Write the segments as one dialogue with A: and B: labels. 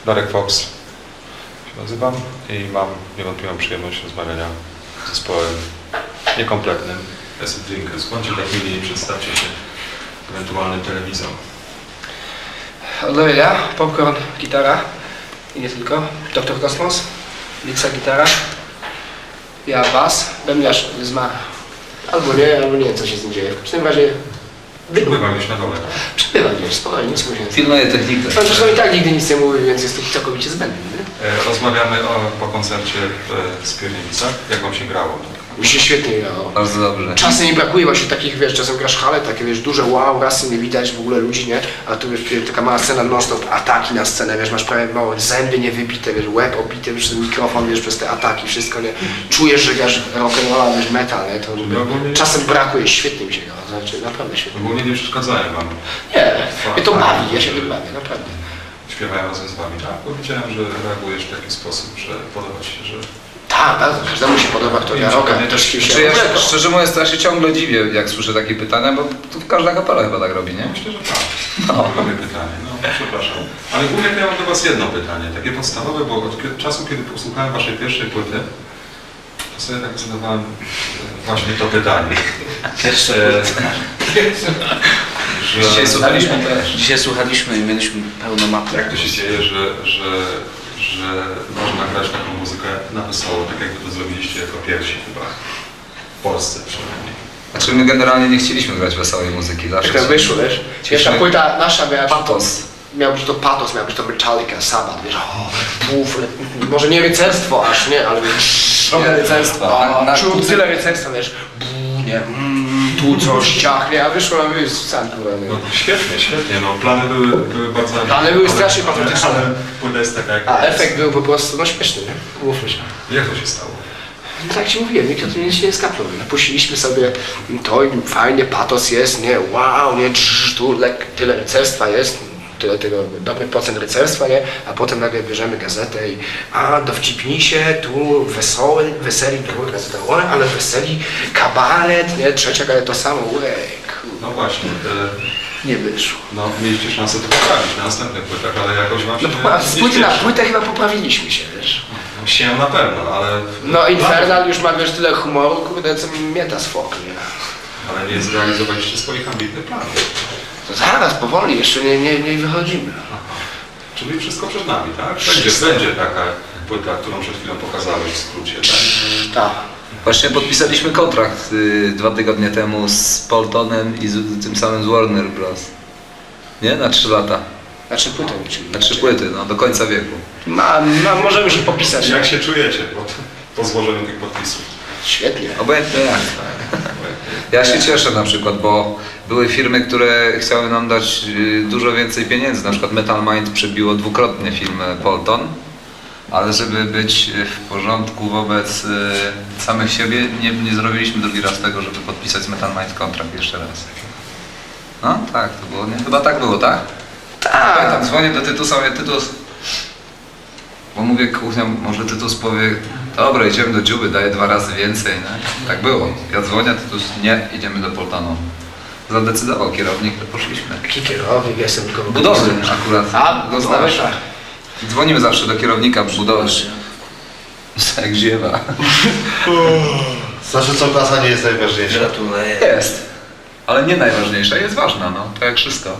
A: Darek Fox się nazywam i mam niewątpliwą przyjemność rozmawiania z zespołem niekompletnym Acid Drinkers. Bądźcie tak mili i przedstawcie się ewentualnym telewizją.
B: Odnowienia, Popcorn, gitara i nie tylko, Dr. Kosmos, Lixa gitara, ja bas, bębniarz zmarł. Albo nie, co się z nim dzieje. W każdym razie
A: Przybywa gdzieś na dole.
B: przybywa gdzieś, spokojnie, nic mu się nie
C: Pilnuję technikę.
B: Pan zresztą i tak nigdy nic nie mówi, więc jest to całkowicie zbędny.
A: Rozmawiamy po koncercie w Skierniewicach. Jak wam się grało?
B: Mi się świetnie grało.
C: Bardzo dobrze.
B: Czasem mi brakuje właśnie takich, wiesz, czasem grasz hale, takie, wiesz, duże wow, rasy nie widać w ogóle ludzi, nie? A tu, wiesz, taka mała scena non-stop, ataki na scenę, wiesz, masz prawie małe zęby niewybite, wiesz, łeb obity, wiesz, ten mikrofon, wiesz, przez te ataki, wszystko, nie? Czujesz, że grasz rock'n'rolla, wiesz, metal, nie? To czasem brakuje, świetnie mi się grało, znaczy, naprawdę świetnie.
A: Ogólnie nie przeszkadzają wam.
B: Nie, mnie to bawi, ja się tym bawię, naprawdę.
A: Śpiewają razem z wami, tak? Bo widziałem, że reagujesz w taki sposób, że podoba ci się, że...
B: Tak, bardzo, każdemu się podoba, kto gra rocka, nie? Też się
C: Znaczy ja szczerze mówiąc, ja się ciągle dziwię, jak słyszę takie pytania, bo tu każda kapela chyba tak robi, nie?
A: Myślę, że tak. Mamy pytanie, no przepraszam. Ale głównie to ja mam do was jedno pytanie, takie podstawowe, bo od czasu, kiedy posłuchałem waszej pierwszej płyty, to sobie tak zadawałem właśnie to pytanie.
C: Dzisiaj słuchaliśmy i mieliśmy pełno mapy.
A: Jak to się dzieje, że można grać taką muzykę na wesoło, tak jakby to zrobiliście jako pierwsi chyba w Polsce przynajmniej.
C: Znaczy my generalnie nie chcieliśmy grać wesołej muzyki. Zawsze
B: Jak to wyszło, wiesz? Pierwsza płyta nasza miała
C: patos.
B: Miał być to patos, miał być to Metallica, Sabbath, wiesz, może nie rycerstwo aż, nie, ale wiesz, trochę rycerstwa, czuł tyle rycerstwa, wiesz, nie, tu coś ciachnie, a wyszło nam już w sam
A: No świetnie, świetnie, no plany były bardzo...
B: Plany były strasznie patriotyczne.
A: Ale płyta jest taka jak
B: a
A: jest.
B: efekt był po prostu, no śmieszny, nie? Mówmy się.
A: Jak to się stało?
B: No tak ci mówiłem, nikt o tym nic nie skapnął. Napuściliśmy sobie to i fajnie, patos jest, nie, wow, nie, tu tyle rycerstwa jest, tyle tego dobry procent rycerstwa, nie? A potem nagle bierzemy gazetę i dowcipnij się, tu weseli, druga gazeta, ale weseli, kabaret, nie? Trzecia gazeta to samo,
A: No właśnie,
B: nie wyszło.
A: no mieliście szansę to poprawić na następnych płytach, ale jakoś wam się
B: Z płyty na płytę chyba poprawiliśmy się, wiesz.
A: No, się na pewno, ale...
B: No Infernal już ma, wiesz, tyle humoru, kurde, co mieta z fok, nie?
A: Ale nie zrealizowaliście swoich ambitnych planów.
B: To zaraz, powoli, jeszcze nie wychodzimy.
A: Czyli wszystko przed nami, tak? Będzie taka płyta, którą przed chwilą pokazałeś w skrócie, tak?
B: Tak.
C: Właśnie podpisaliśmy kontrakt 2 tygodnie temu z Poltonem i tym samym z Warner Bros. Nie? Na 3 lata.
B: Na 3 płyty, czyli.
C: Na 3 płyty, no do końca wieku.
B: No, możemy się popisać.
A: Jak się czujecie po złożeniu tych podpisów?
B: Świetnie.
C: Obojętnie jak. Ja się cieszę na przykład, bo były firmy, które chciały nam dać dużo więcej pieniędzy. Na przykład Metal Mind przebiło 2-krotnie firmę Polton, ale żeby być w porządku wobec samych siebie, nie zrobiliśmy drugi raz tego, żeby podpisać z Metal Mind kontrakt jeszcze raz. No tak, to było, nie? Chyba tak było, tak?
B: Tak.
C: Pamiętam, dzwonię do Tytusa, mówię, Tytus, bo mówię, kuchnia, może Tytus powie, dobra, idziemy do Dziuby, daję 2 razy więcej, nie? Tak było. Ja dzwonię, Tytus, nie, idziemy do Poltonu. Zadecydował kierownik, to poszliśmy.
B: Jaki kierownik, jestem tylko...
C: Budowy akurat, go znasz.
B: tak.
C: Dzwonimy zawsze do kierownika budowy. Jak ziewa.
D: Znaczy co, klasa nie jest najważniejsza?
C: Gratuluję. Jest, ale nie najważniejsza, jest ważna, no, tak jak wszystko.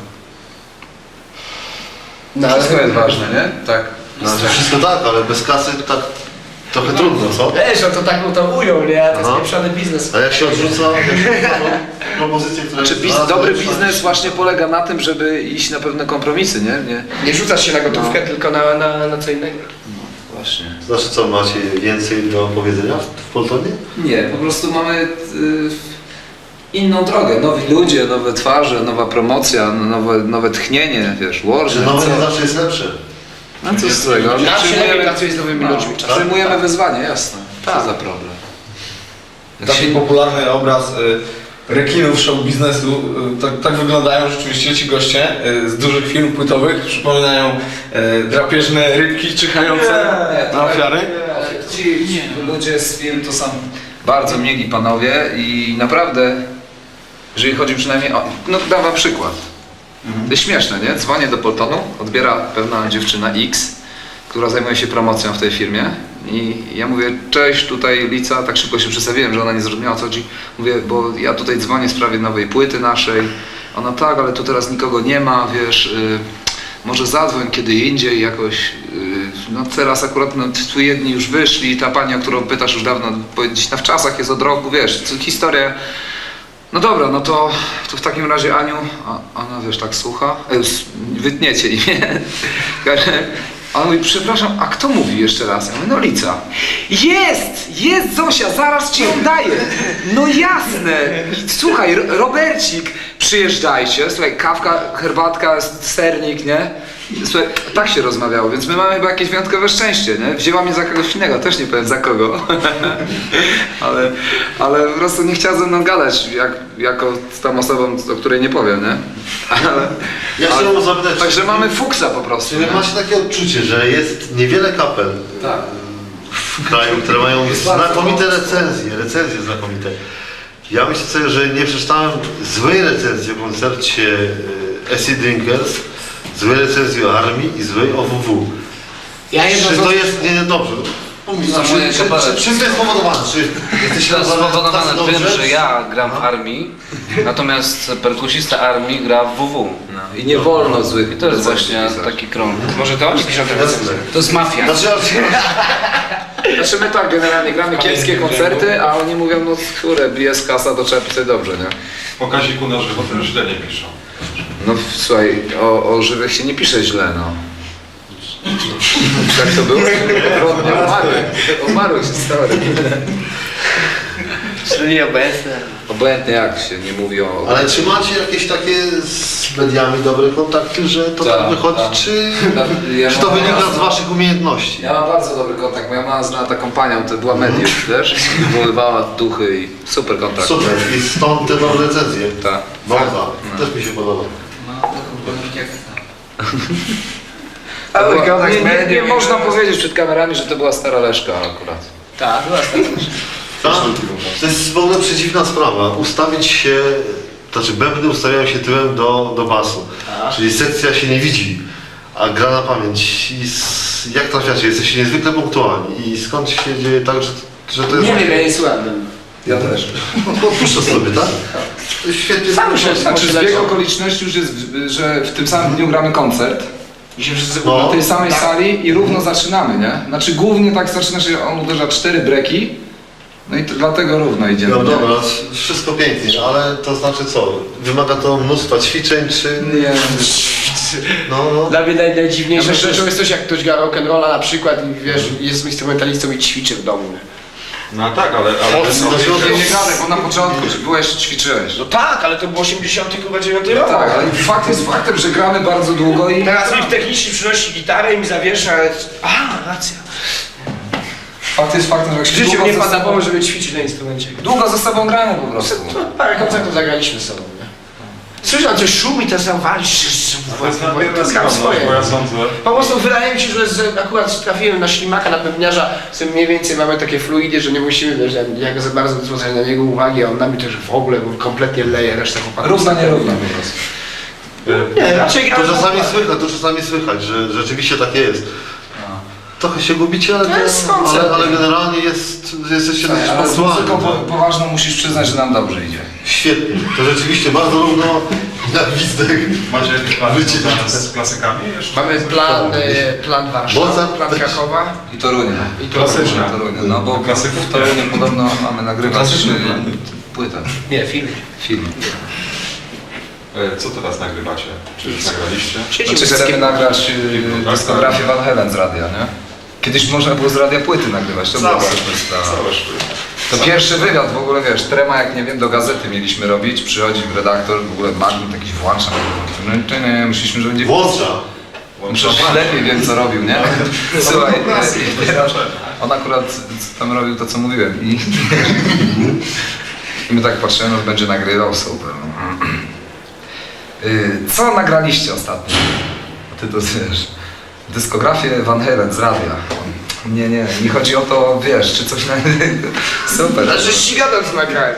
B: No,
C: Wszystko jest ważne, nie? Tak.
D: Znaczy wszystko tak, ale bez kasy tak trochę trudno, co?
B: Wiesz, on to tak mu to ujął, nie? To jest
D: Aha.
B: pieprzony biznes.
D: A jak się odrzuca propozycje, które...
C: Znaczy, dobry biznes właśnie polega na tym, żeby iść na pewne kompromisy, nie?
B: Nie rzucasz się na gotówkę, tylko na co innego.
C: Właśnie.
D: Znaczy co, macie więcej do powiedzenia w Poltonie?
C: Nie, po prostu mamy inną drogę. Nowi ludzie, nowe twarze, nowa promocja, nowe tchnienie, wiesz,
D: Że
C: Warner,
D: nowe nie
C: co?
D: zawsze jest lepsze.
C: No co z tego?
B: Nam się lepiej pracuje z nowymi ludźmi czasem.
C: Przyjmujemy wyzwanie, jasne.
B: Tak.
C: Co za problem. Jak
E: Taki
C: się-
E: popularny obraz rekinów show biznesu, tak wyglądają rzeczywiście ci goście z dużych firm płytowych, przypominają drapieżne rybki czyhające na ofiary.
C: Ci ludzie z firm to są bardzo mieli panowie i naprawdę, jeżeli chodzi przynajmniej o... No dam wam przykład. To jest śmieszne, nie? Dzwonię do Poltonu, odbiera pewna dziewczyna X która zajmuje się promocją w tej firmie. I ja mówię, cześć, tutaj Lica, tak szybko się przedstawiłem, że ona nie zrozumiała o co chodzi. Mówię, bo ja tutaj dzwonię w sprawie nowej płyty naszej. Ona tak, ale tu teraz nikogo nie ma, wiesz, może zadzwoń kiedy indziej jakoś. No teraz akurat no, tu jedni już wyszli, ta pani, o którą pytasz już dawno, gdzieś na wczasach jest od roku, wiesz, historia. No dobra, no to w takim razie Aniu, a ona wiesz, tak słucha, wytniecie imię. A on mówi, przepraszam, a kto mówi jeszcze raz? Ja mówię, no Lica. Jest Zosia, zaraz ci ją daję. No jasne. I słuchaj, Robercik, przyjeżdżajcie. Słuchaj, kawka, herbatka, sernik, nie? Słuchaj, tak się rozmawiało, więc my mamy chyba jakieś wyjątkowe szczęście, nie? Wzięła mnie za kogoś innego, też nie powiem za kogo. ale po prostu nie chciała ze mną gadać, jako z tą osobą, o której nie powiem, nie?
D: Ja chciałem zapytać,
C: Także mamy fuksa po prostu.
D: czy
C: nie?
D: macie takie odczucie, że jest niewiele kapel
C: Tak.
D: w kraju, które mają
C: Jest bardzo
D: znakomite
C: mocno.
D: recenzje znakomite. Ja myślę sobie, że nie przeczytałem złej recenzji o koncercie Acid Drinkers, złej recenzji o Armii i złej o WW.
B: Ja jedno
D: Czy
B: z-
D: to jest niedobrze?
F: moje kapele.
D: Czym to jest spowodowane? Czy jesteście
F: To jest spowodowane
D: tacy
F: tym,
D: dobrze?
F: że ja gram w armii, natomiast perkusista armii gra w WW.
C: No. I nie wolno złych.
F: I to jest
C: recenzji
F: właśnie
C: pisać.
F: taki krąg.
B: Może to oni piszą te recenzje. To jest mafia.
D: Znaczy,
C: Znaczy my tak generalnie gramy kiepskie koncerty, a oni mówią, no które bije z kasa, to trzeba pisać dobrze, nie?
A: Po Kaziku na żywo też źle nie piszą.
C: No słuchaj, o żywych się nie pisze źle, no. Jak to było? Odwrotnie, umarły się stary.
B: Czyli obecne.
C: Obojętnie jak się nie mówi o...
D: ale czy macie jakieś takie z mediami dobre kontakty, że to tak,
C: Tak,
D: wychodzi,
C: tak.
D: czy to wynika z waszych umiejętności?
C: Ja mam bardzo dobry kontakt, moja mama zna taką panią, to była medium, wiesz? I wywoływała duchy i super kontakt.
D: Super, i stąd te dobre recenzje.
C: Tak.
D: Bardzo, też mi się podoba.
C: To była, nie można powiedzieć przed kamerami, że to była stara Leszka akurat.
B: Tak, była stara.
D: Tak? To jest w ogóle przeciwna sprawa. Ustawić się, znaczy bębny ustawiają się tyłem do basu. Czyli sekcja się nie widzi, a gra na pamięć. Jak trafiacie? Jesteście niezwykle punktualni. I skąd się dzieje tak, że to jest...
B: Nie wiem, ja nie słucham.
C: Ja też.
D: Puszczę sobie, tak? To jest świetnie.
B: Sam się
C: Znaczy zbieg okoliczności już jest, że w tym samym dniu gramy koncert.
B: I się wszyscy
D: No.
C: Na tej samej sali i równo zaczynamy, nie? Znaczy głównie tak zaczyna się, on uderza 4 breki, no i dlatego równo idziemy.
D: No
C: nie?
D: dobra, wszystko pięknie, ale to znaczy co? Wymaga to mnóstwa ćwiczeń, czy...
C: Nie,
D: No.
B: Dla mnie najdziwniejszą
C: Ja myślę,
B: rzeczą
C: że-
B: jest coś, jak ktoś gra rock'n'rolla na przykład i wiesz, jest instrumentalistą i ćwiczy w domu. Nie?
A: No tak, ale
C: nie gadaj, bo na początku byłeś, ćwiczyłeś.
B: No tak, ale to był 80 chyba 9
C: No
B: rok.
C: tak, ale fakt jest faktem, że gramy bardzo długo i...
B: Teraz mi technicznie przynosi gitarę i mi zawiesza, ale... A, racja.
C: Fakt jest faktem, że jak
B: W
C: się
B: życiu
C: długo
B: mnie
C: ze
B: pan
C: sobą-
B: pomógł, żeby ćwiczyć na instrumencie.
C: Długo ze sobą gramy po prostu.
B: Parę koncertów zagraliśmy z sobą, nie? Słyszałem, coś szumi, to zawalisz,
A: to jest nadmierna
B: to gram
A: skromność,
B: swoje.
A: bo ja sądzę...
B: Po prostu wydaje mi się, że akurat trafiłem na ślimaka, na pewniarza, z tym mniej więcej mamy takie fluidy, że nie musimy, wiesz, jak za bardzo zwracać na niego uwagi, a on na mnie też w ogóle bo kompletnie leje resztę chłopaków.
C: Równa, nierówna po prostu.
B: Nie, raczej
D: To czasami słychać, że rzeczywiście takie jest. Trochę się gubicie, ale generalnie jesteście dosyć
C: Ale z muzyką
D: punktualni.
C: poważną musisz przyznać, że nam dobrze idzie.
D: Świetnie, to rzeczywiście bardzo równo na gwizdek.
A: Macie jakieś plany
D: Wycie-
A: związane z klasykami jeszcze?
B: Mamy plan Warszawy,
D: Mozart
B: plan
D: też.
B: Krakowa
C: I Torunia.
B: i to
A: Klasyczne.
C: Torunia. No bo
A: Klasyków
C: w Toruniu podobno mamy nagrywać
A: Klasyczne.
C: płytę,
B: Nie, film.
C: film.
A: Co teraz nagrywacie? Czy już nagraliście?
C: Znaczy chcemy nagrać dyskografię Van Halen z radia, nie? Kiedyś można było z radia płyty nagrywać, to była
A: Całe.
C: super sprawa.
A: Całe sztuki.
C: To pierwszy wywiad w ogóle, wiesz, trema jak nie wiem, do gazety mieliśmy robić, przychodzi redaktor, w ogóle magnet jakiś włącza, nie, myśleliśmy, że będzie...
D: Włącza.
C: Przecież lepiej wiem co robił, nie? Słuchaj, on akurat tam robił to co mówiłem i my tak patrzymy, no będzie nagrywał, super. No. Co nagraliście ostatnio? Ty to wiesz, dyskografię Van Halen z radia. Nie chodzi o to, wiesz, czy coś na... Super.
B: Znaczy ściganą z nagrałem.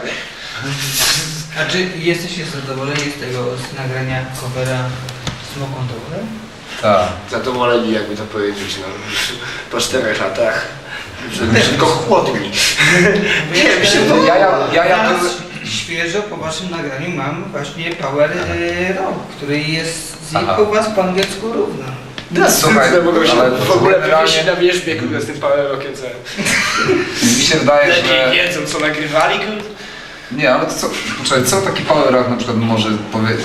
G: A czy jesteście zadowoleni z tego z nagrania covera Smoke on the Water?
C: Tak.
B: zadowoleni, jakby to powiedzieć, no, po 4 latach. Że tylko chłodni. Nie, mi się to...
G: Teraz świeżo po waszym nagraniu mam właśnie Power Rock, który jest
C: Aha.
G: u was po angielsku równo.
C: Słuchaj,
B: mogą się
C: ale
B: w ogóle
C: generalnie-
B: wywiesić na wierzbie, kurde, z tym Power Rockiem, co...
C: Mi się wydaje, że...
B: Lepiej wiedzą, co nagrywali, kurde.
C: Nie, ale to co, poczekaj, co taki power rock na przykład może powiedzieć?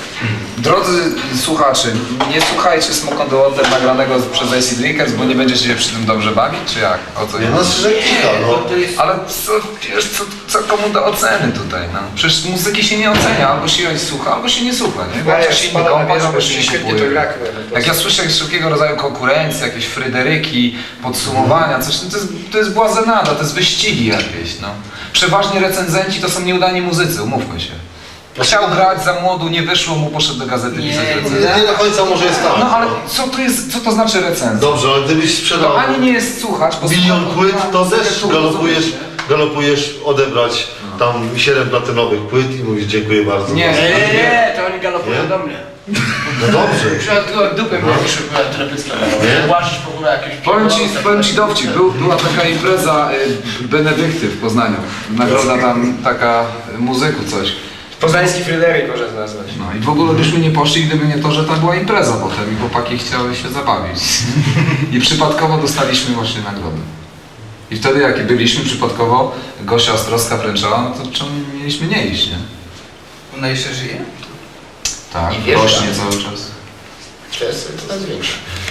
C: Drodzy słuchacze, nie słuchajcie Smoke on the Water nagranego przez AC Drinkers, bo nie będziecie się przy tym dobrze bawić, czy jak? O co
D: Nie,
C: chodzi?
D: no szczerze kilka, no.
G: To jest
C: Ale co, wiesz, co komu do oceny tutaj, no? Przecież muzyki się nie ocenia, albo się ją słucha, albo się nie słucha, nie? Bo
B: Ja
C: coś się nie kąpać, albo się nie
B: świetnie
C: kupuje.
B: to gra, kurde.
C: Jak ja słyszę wszelkiego rodzaju konkurencje, jakieś Fryderyki, podsumowania, coś, no to jest błazenada, to jest wyścigi jakieś, no. Przeważnie recenzenci to są nieudani muzycy, umówmy się. Chciał grać za młodu, nie wyszło mu, poszedł do gazety
G: Nie,
C: pisać
G: nie,
C: recenzję.
D: Nie do końca może jest tak.
C: No ale co to znaczy recenzja?
D: Dobrze, ale gdybyś sprzedał
C: To ani nie jest słuchać, bo
D: milion
C: słuchać-
D: płyt, to też
C: rozumiesz, nie?
D: galopujesz odebrać tam 7 platynowych płyt i mówisz dziękuję bardzo.
C: Nie.
B: Nie, to oni galopują
D: Nie?
B: do mnie.
D: No dobrze.
B: Przykład dupę mnie niż telepycka.
D: Nie?
B: Łazisz w ogóle jakieś...
C: Powiem ci dowcip, była taka impreza Benedykty w Poznaniu. Nagroda tam taka muzyków coś.
B: Poznański Fryderyk można nazwać.
C: No i w ogóle byśmy nie poszli, gdyby nie to, że tam była impreza potem i chłopaki chciały się zabawić. I przypadkowo dostaliśmy właśnie nagrodę. I wtedy jak byliśmy przypadkowo, Gosia Ostrowska wręczała, no to czemu mieliśmy nie iść, nie?
G: ona jeszcze żyje?
C: Tak,
B: I wiesz,
C: rośnie
B: tak.
C: cały czas.
B: To jest coraz większe.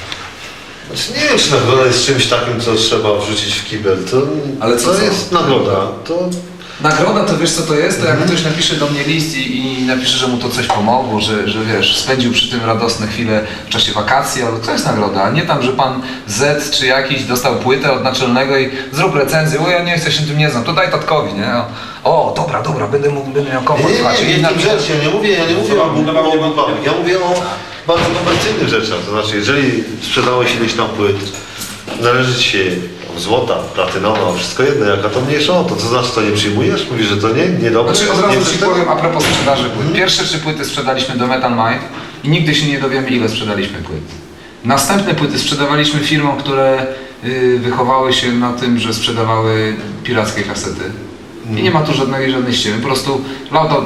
D: Znaczy, nie wiem, czy nagroda jest czymś takim, co trzeba wrzucić w kibel.
C: Ale co?
D: To jest nagroda. To
C: Nagroda to wiesz co to jest? To jak ktoś napisze do mnie list i napisze, że mu to coś pomogło, że wiesz, spędził przy tym radosne chwile w czasie wakacji, ale to jest nagroda, a nie tam, że pan Z czy jakiś dostał płytę od naczelnego i zrób recenzję, o ja nie chcę się tym nie znam, to daj tatkowi, nie? O, dobra, będę miał komfort. Słuchajcie,
D: nie,
C: i
D: nie,
C: napisze-
D: rzecz, ja nie mówię o głupawach, ja mówię o bardzo komercyjnych rzeczach. To znaczy, jeżeli sprzedałeś ileś tam płyt, należy ci się złota, platynowa, wszystko jedno, jaka to mniejsza o to. Co znaczy, to nie przyjmujesz? Mówisz, że to nie dobre?
C: Znaczy od
D: nie
C: razu
D: chcesz
C: ci
D: tego?
C: powiem a propos sprzedaży płyt. Pierwsze 3 płyty sprzedaliśmy do Metal Mind i nigdy się nie dowiemy ile sprzedaliśmy płyt. Następne płyty sprzedawaliśmy firmom, które wychowały się na tym, że sprzedawały pirackie kasety. I nie ma tu żadnej ściemy. Po prostu lata,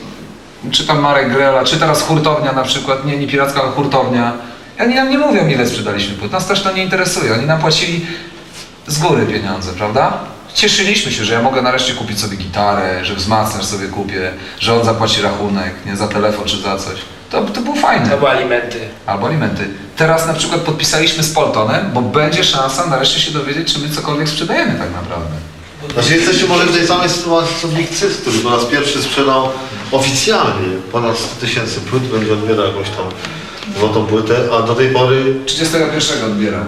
C: czy tam Marek Grela, czy teraz hurtownia na przykład, nie piracka, ale hurtownia. Oni nam nie mówią ile sprzedaliśmy płyt. Nas też to nie interesuje. Oni nam płacili z góry pieniądze, prawda? Cieszyliśmy się, że ja mogę nareszcie kupić sobie gitarę, że wzmacniacz sobie kupię, że on zapłaci rachunek, nie za telefon czy za coś. To było fajne.
B: Albo alimenty.
C: Albo alimenty. Teraz na przykład podpisaliśmy z Poltonem, bo będzie szansa nareszcie się dowiedzieć, czy my cokolwiek sprzedajemy tak naprawdę.
D: Znaczy, jesteście może w tej samej sytuacji co Big Cyst, który po raz pierwszy sprzedał oficjalnie ponad 100 000 płyt, będzie odbierał jakąś tam złotą płytę, a do tej pory
C: 31 odbieram.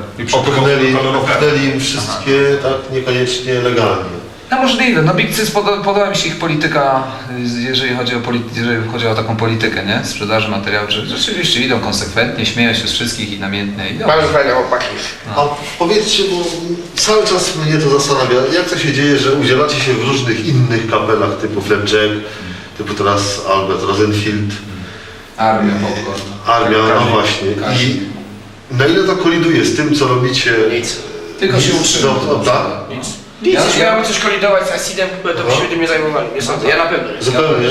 D: opchnęli im wszystkie tak niekoniecznie legalnie.
C: No możliwe, no Big Cis podoba mi się ich polityka, jeżeli chodzi o taką politykę, nie? Sprzedaży materiałów, że rzeczywiście idą konsekwentnie, śmieją się z wszystkich i namiętnie idą.
B: Bardzo fajne chłopaki.
D: A powiedzcie, bo cały czas mnie to zastanawia, jak to się dzieje, że udzielacie się w różnych innych kapelach typu Flapjack, typu teraz Albert Rosenfield,
C: Armia, Popcorn.
D: Armia, no właśnie. I na ile to koliduje z tym, co robicie?
B: Nic.
C: Tylko się utrzyma.
D: No, tak?
B: Nic,
C: Ja-
B: jeśli miałbym coś kolidować z Acidem, to by się tym nie zajmowali. Nie sądzę, ja na pewno nie.
D: Zupełnie.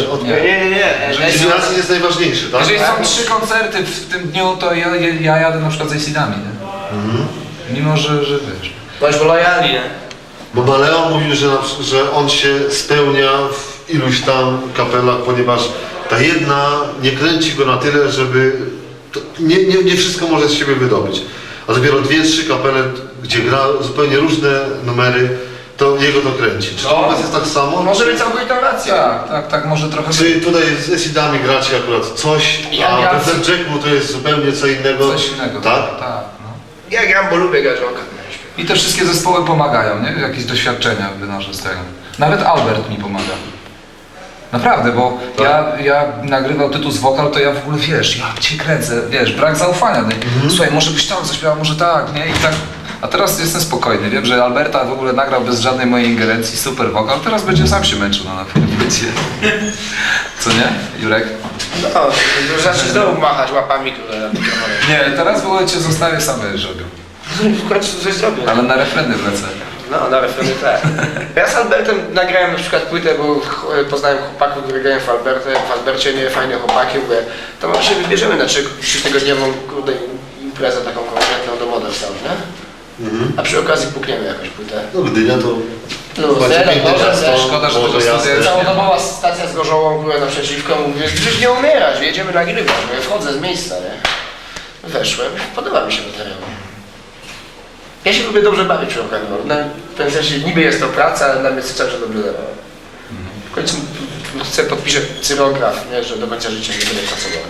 C: Nie.
D: Czyli nas jest najważniejszy, tak?
C: Jeżeli są 3 koncerty w tym dniu, to ja jadę na przykład z Acidami, nie? Mimo, że wiesz.
B: Bądźmy lojalni, nie?
D: Bo Maleon mówił, że on się spełnia w iluś tam kapelach, ponieważ ta jedna nie kręci go na tyle, żeby... Nie wszystko może z siebie wydobyć. A dopiero 2-3 kapele, gdzie gra zupełnie różne numery, to jego to kręci. Czy to u was jest tak samo?
B: Może być całkowita racja.
C: Tak, może trochę...
D: Czy tutaj z Acidami gracie akurat coś, a
B: Ja-
D: we Flapjacku to jest zupełnie co innego?
C: Coś innego.
D: Tak?
C: Tak, no.
B: Ja gram, bo lubię grać rocka.
C: I te wszystkie zespoły pomagają, nie? Jakieś doświadczenia wynoszę z tego. Nawet Albert mi pomaga. Naprawdę, bo ja nagrywał tytuł z wokal, to ja w ogóle, wiesz, ja cię kręcę, wiesz, brak zaufania. No. Słuchaj, może byś tam zaśpiewał, może tak, nie? I tak. A teraz jestem spokojny, wiem, że Alberta w ogóle nagrał bez żadnej mojej ingerencji, super wokal, teraz będzie sam się męczył na płycie. Co nie, Jurek?
B: No, zacznij znowu machać łapami, które na mikrofonie.
C: Nie, teraz w ogóle cię zostawię sam, będziesz robił.
B: W końcu coś zrobię.
C: Ale na refreny wlecę.
B: No, na refrenie tak. Ja z Albertem nagrałem na przykład płytę, bo poznałem chłopaków, które grają w Albercie, nie fajne chłopaki, mówię, to może się wybierzemy na 3-tygodniową kurde imprezę taką konkretną do Model Sound, nie? A przy okazji pukniemy jakąś płytę.
D: No Gdynia to...
B: Plus,
D: macie piękne
B: może
D: miasto,
B: też.
C: Szkoda, że
D: Morze
C: tego
D: Jasne.
C: studia
B: Całodobowa stacja z Gorzołą była naprzeciwko, mówię, przecież nie umierać, jedziemy nagrywać, mówię, wchodzę z miejsca, nie? Weszłem, podoba mi się materiał. Ja się lubię dobrze bawić przy okazji, w pewnym sensie niby jest to praca, ale dla mnie cały czas dobrze dawało. W końcu chcę podpiszę cyrograf, nie, że do końca życia nie będę pracował.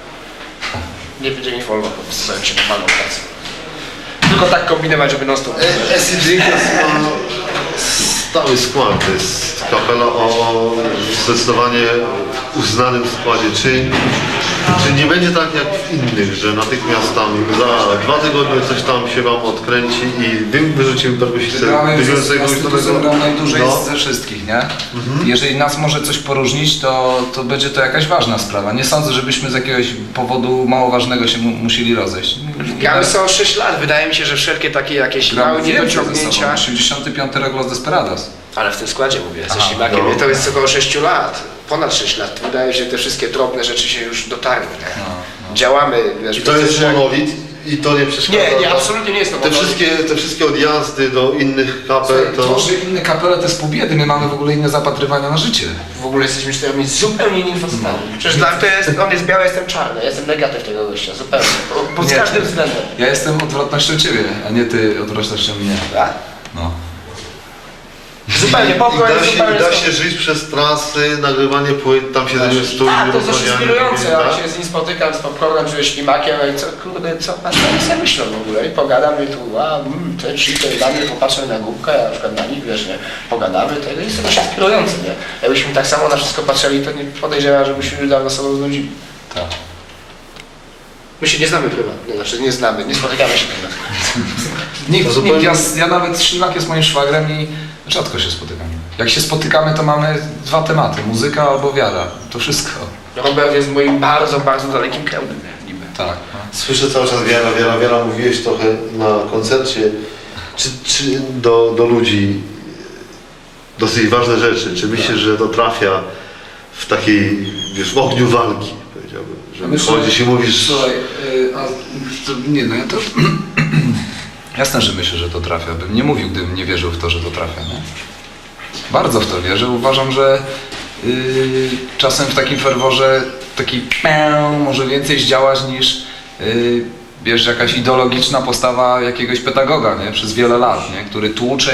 B: Nie będzie mi wolno, podpisałem się normalną pracę. Tylko tak kombinować, żeby non-stop.
D: Acid Drinkers ma stały skład, to jest kapela o zdecydowanie uznanym składzie. Czy nie będzie tak jak w innych, że natychmiast tam za 2 tygodnie coś tam się wam odkręci i wyrzucimy perkusistę wygrającego
C: najdłużej
D: no.
C: ze wszystkich, nie? Jeżeli nas może coś poróżnić, to będzie to jakaś ważna sprawa. Nie sądzę, żebyśmy z jakiegoś powodu mało ważnego się musieli rozejść.
B: Gramy są 6 lat, wydaje mi się, że wszelkie takie jakieś małe niedociągnięcia.
C: 85 rok Los Desperados.
B: Ale w tym składzie mówię, ze
C: Aha,
B: ślimakiem,
D: no.
B: to jest około 6 lat, ponad 6 lat. Wydaje mi się, że te wszystkie drobne rzeczy się już dotarły. Nie? Działamy, wiesz,
D: I to jest monolit i to nie przeszkadza.
B: Nie, absolutnie nie jest to
D: Te
B: monolit.
D: wszystkie odjazdy do innych kapel to...
C: To, że inne kapele to jest pół biedy, my mamy w ogóle inne zapatrywania na życie.
B: W ogóle jesteśmy czteremi zupełnie innymi facetami. Przecież dla mnie to jest, on jest biały, jestem czarny, ja jestem negatyw tego gościa, zupełnie. Pod
C: Nie.
B: każdym względem.
C: Ja jestem odwrotnością ciebie, a nie ty odwrotnością mnie.
B: Tak?
C: No.
B: Zupełnie,
D: I
B: pokój jest
D: da
B: zupełnie...
D: się żyć przez trasy, nagrywanie płyt, tam siedzenie w studiu.
B: Tak, to jest dość
D: rozmawianie,
B: inspirujące,
D: tak?
B: ja się z nim spotykam, z popcornem, czy ze ślimakiem, no i co, kurde, co pan sobie myślą w ogóle? I pogadam, i tu, te ci, te dla mnie, popatrzę na głupkę, ja na przykład na nich, wiesz, nie, pogadamy, to jest to dość inspirujące, nie? Jakbyśmy tak samo na wszystko patrzyli, to nie podejrzewam, żebyśmy już dawno sobą znudzili.
C: Tak.
B: My się nie znamy prywatnie, znaczy nie znamy, nie spotykamy się prywatnie.
C: Nikt, ja nawet Ślimak jest moim szwagrem i rzadko się spotykamy. Jak się spotykamy, to mamy 2 tematy, muzyka albo wiara. To wszystko.
B: Robert jest moim bardzo, bardzo dalekim kręgiem, niby.
C: Tak. No.
D: Słyszę cały czas wiara, mówiłeś trochę na koncercie, czy do ludzi dosyć ważne rzeczy. Czy myślisz, że to trafia w takiej, wiesz, w ogniu walki, powiedziałbym, że
C: Myślę,
D: chodzisz i mówisz...
C: Słuchaj, nie no ja to... Jasne, że myślę, że to trafia. Bym nie mówił, gdybym nie wierzył w to, że to trafia, nie? Bardzo w to wierzę. Uważam, że czasem w takim ferworze taki może więcej zdziałać niż wiesz, jakaś ideologiczna postawa jakiegoś pedagoga, nie? Przez wiele lat, nie? Który tłucze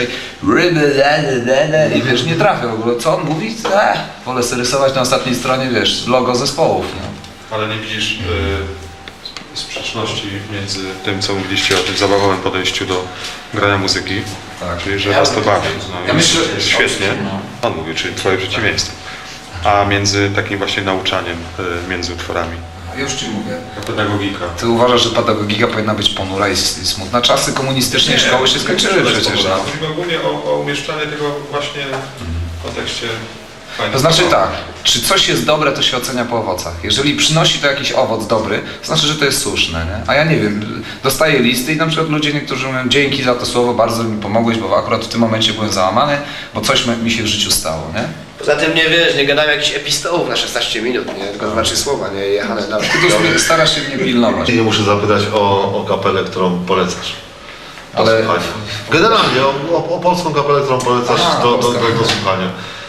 C: i wiesz, nie trafia w ogóle. Co on mówi? Wolę sobie rysować na ostatniej stronie, wiesz, logo zespołów, nie?
A: Ale nie widzisz sprzeczności między tym, co mówiliście o tym zabawowym podejściu do grania muzyki,
C: Tak.
A: czyli że was to bawi. No,
C: Ja
A: jest,
C: myślę,
A: jest świetnie, on mówi, czyli twoje przeciwieństwo. A między takim właśnie nauczaniem między utworami.
C: Już ci mówię.
A: Pedagogika.
C: Ty uważasz, że pedagogika powinna być ponura i smutna? Czasy komunistycznej szkoły się skończyły przecież. No.
A: Chodzi ogólnie o umieszczanie tego właśnie w kontekście fajnego.
C: To znaczy tak, czy coś jest dobre, to się ocenia po owocach. Jeżeli przynosi to jakiś owoc dobry, to znaczy, że to jest słuszne, nie? A ja nie wiem, dostaję listy i na przykład ludzie niektórzy mówią, dzięki za to słowo, bardzo mi pomogłeś, bo akurat w tym momencie byłem załamany, bo coś mi się w życiu stało, nie?
B: Poza tym nie wiesz, nie gadałem jakichś epistołów na 16 minut, nie? Tylko 2-3 słowa, nie? Jechane na...
C: Ty to starasz się mnie pilnować.
D: Nie muszę zapytać o kapelę, którą polecasz.
C: Ale-
D: Ale generalnie o polską kapelę, którą polecasz
C: Aha,
D: do
C: polska kapela.
D: słuchania.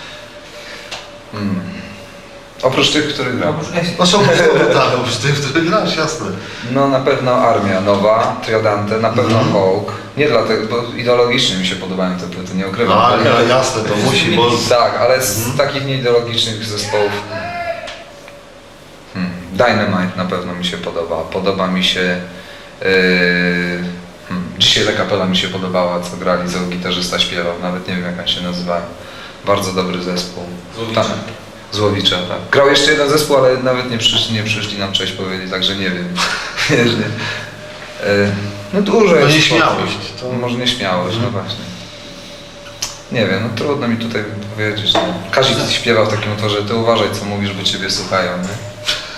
C: Oprócz tych, których gram.
D: No są tak, oprócz tych, w których grasz, jasne.
C: No na pewno Armia Nowa, Triodante, na pewno Hawk. Nie dlatego, bo ideologicznie mi się podobają te płyty, nie ukrywam.
D: No, ale jasne, to musi, bo...
C: Tak, ale z takich nieideologicznych zespołów Dynamite na pewno mi się podoba. Podoba mi się dzisiaj La Capella mi się podobała, co grali, co gitarzysta śpiewał, nawet nie wiem jak on się nazywa. Bardzo dobry zespół.
A: Złowicze.
C: Tak, Złowicze, tak. Grał jeszcze jeden zespół, ale nawet nie przyszli nam cześć powiedzieć, także nie wiem. Wiesz, nie? No dużo
D: To
C: jest.
D: nieśmiałość, to-
C: Może nieśmiałość, no właśnie. Nie wiem, no trudno mi tutaj powiedzieć. No. Kazik śpiewał w takim utworze, ty uważaj co mówisz, bo ciebie słuchają, nie?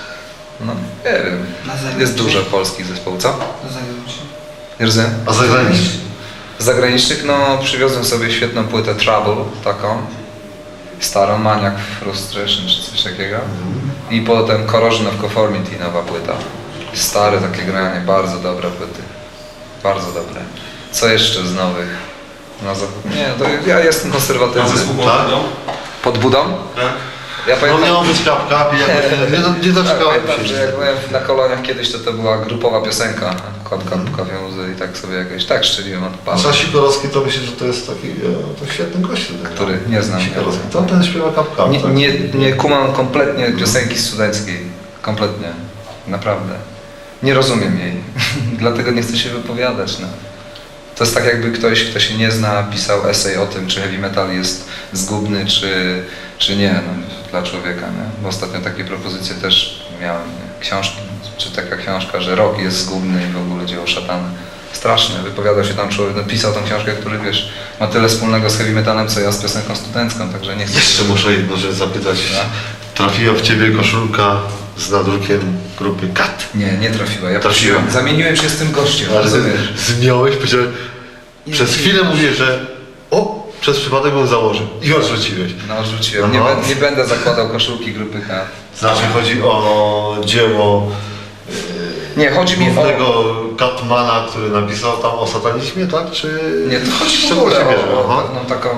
C: No, nie wiem.
G: Na zagraniczny?
C: Jest dużo polskich zespołów, co?
G: Do zagranicznych.
C: Nie rozumiem?
D: A zagraniczny?
C: Z zagranicznych, no przywiozłem sobie świetną płytę Trouble, taką. Starą, Maniac Frustration czy coś takiego. I potem Corrosion of Conformity, nowa płyta. Stare takie granie, bardzo dobre płyty. Bardzo dobre. Co jeszcze z nowych? No, nie, to ja jestem
A: A
C: konserwatywny.
A: zespół
D: Tak?
A: Montedą?
C: Pod budą?
A: Tak?
C: Ja
D: No
C: pamiętam,
D: miało być kapka, nie doczekałem
C: pamiętam,
D: się.
C: że jak byłem na koloniach kiedyś, to była grupowa piosenka. Kotka pukawią łzy i tak sobie jakoś, tak szczeliłem od
D: A
C: pana.
D: Sikorowski to myślę, że to jest taki to świetny gość.
C: Który? Nie znam.
D: Sikorowski. To ten śpiewa kapka.
C: Nie kumam kompletnie piosenki studenckiej. Kompletnie. Naprawdę. Nie rozumiem jej. Dlatego nie chcę się wypowiadać. No. To jest tak jakby ktoś, kto się nie zna, pisał esej o tym, czy heavy metal jest zgubny, czy nie no, dla człowieka. Nie? Bo ostatnio takie propozycje też miałem. Nie? Książki, czy taka książka, że rock jest zgubny i w ogóle dzieło szatana. Straszne. Wypowiadał się tam człowiek, napisał tą książkę, który wiesz, ma tyle wspólnego z heavy metalem, co ja z piosenką studencką, także nie chcę...
D: Jeszcze muszę jedną rzecz zapytać. Trafiła w Ciebie koszulka z nadrukiem grupy Kat.
C: Nie trafiła. Ja
D: Trafiła.
C: prosiłem. Zamieniłem się z tym gościem,
D: Ale
C: rozumiesz?
D: zmiałeś, powiedziałeś, przez chwilę mówię, że przez przypadek bym założył i odrzuciłeś.
C: No odrzuciłem.
D: Aha.
C: Nie będę zakładał koszulki grupy K.
D: Znaczy chodzi o dzieło
C: Nie, chodzi mi o...
D: głównego Katmana, który napisał tam o satanizmie, tak? Czy
C: Nie, to chodzi
D: z
C: w
D: czego
C: ogóle
D: się bierze?
C: o
D: Aha.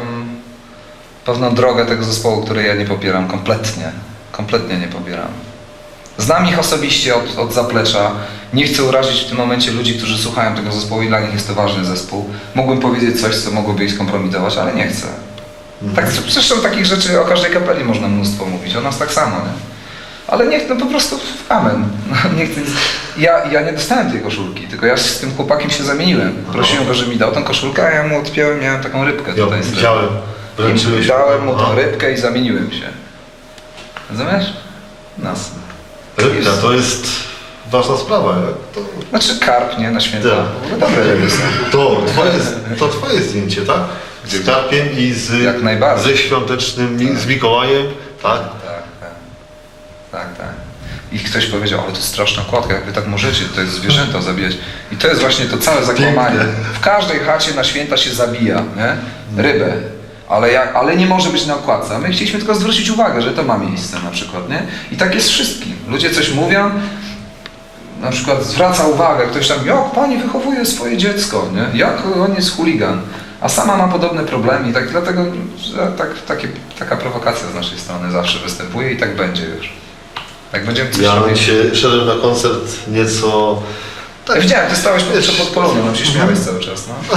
C: pewną drogę tego zespołu, której ja nie popieram kompletnie. Kompletnie nie popieram. Znam ich osobiście od zaplecza. Nie chcę urazić w tym momencie ludzi, którzy słuchają tego zespołu i dla nich jest to ważny zespół. Mógłbym powiedzieć coś, co mogłoby ich skompromitować, ale nie chcę. Tak, zresztą takich rzeczy o każdej kapeli można mnóstwo mówić, o nas tak samo, nie? Ale niech, no po prostu amen. Nie chcę, ja nie dostałem tej koszulki, tylko ja z tym chłopakiem się zamieniłem. Prosiłem go, żeby mi dał tą koszulkę, a ja mu odpiąłem, miałem taką rybkę
D: Ja
C: tutaj z
D: widziałem.
C: I dałem mu tą
D: Aha.
C: rybkę i zamieniłem się. Rozumiesz? No.
D: Rybka to jest ważna sprawa. Jak to,
C: Znaczy karp, nie? Na święta.
D: Tak.
C: No dobre ryby są.
D: to twoje zdjęcie, tak?
C: Gdzie?
D: Z karpiem i
C: Jak najbardziej.
D: ze świątecznym, z Mikołajem, tak?
C: Tak. I ktoś powiedział, ale to jest straszna kładka, jak wy tak możecie, to jest zwierzęta zabijać. I to jest właśnie to całe zakłamanie.
D: Pięknie.
C: W każdej chacie na święta się zabija, nie? Rybę. Ale nie może być na okładce. A my chcieliśmy tylko zwrócić uwagę, że to ma miejsce na przykład, nie? I tak jest wszystkim. Ludzie coś mówią, na przykład zwraca uwagę, ktoś tam, jak pani wychowuje swoje dziecko, nie? Jak on jest chuligan. A sama ma podobne problemy i tak dlatego taka prowokacja z naszej strony zawsze występuje i tak będzie już. Jak będziemy coś
D: Ja
C: robić.
D: dzisiaj szedłem na koncert nieco...
C: Ja widziałem, ty stałeś pod poloną, no się śmiałeś cały czas, no.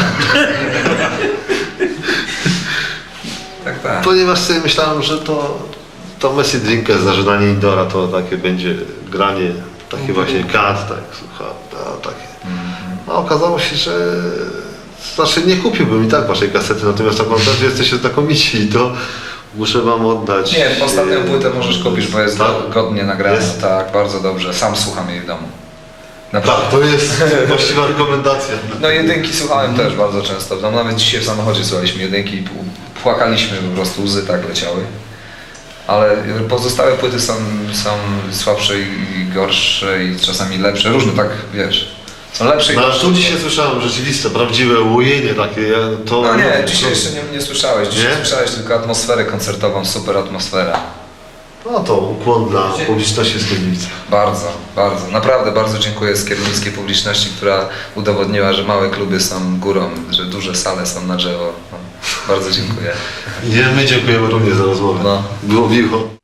C: Tak.
D: Ponieważ sobie myślałem, że to Messi Drinker, zażynanie Indora, to takie będzie granie, takie właśnie kat, tak, słucham, takie. A okazało się, że znaczy nie kupiłbym i tak waszej kasety, natomiast na koncercie jesteście znakomici i to muszę wam oddać.
C: Nie, ostatnią płytę możesz kupić, bo jest
D: Tak?
C: godnie nagrana,
D: Jest?
C: tak, bardzo dobrze. Sam słucham jej w domu. Naprawdę.
D: Tak, to jest właściwa rekomendacja.
C: No jedynki słuchałem też bardzo często. No, nawet dzisiaj w samochodzie słuchaliśmy jedynki i płakaliśmy, po prostu łzy tak leciały. Ale pozostałe płyty są słabsze i gorsze i czasami lepsze. Różne tak, wiesz, są lepsze i
D: No,
C: gorsze.
D: tu dzisiaj słyszałem rzeczywiste, prawdziwe łojenie takie. To,
C: No nie, dzisiaj jeszcze nie słyszałeś. Dzisiaj
D: Nie?
C: słyszałeś tylko atmosferę koncertową, super atmosfera.
D: No to ukłon dla publiczności z Kiernicy.
C: Bardzo, bardzo. Naprawdę bardzo dziękuję skiernickiej publiczności, która udowodniła, że małe kluby są górą, że duże sale są na drzewo. No, bardzo dziękuję.
D: My dziękujemy również za rozmowę.
C: No.
D: Było miło.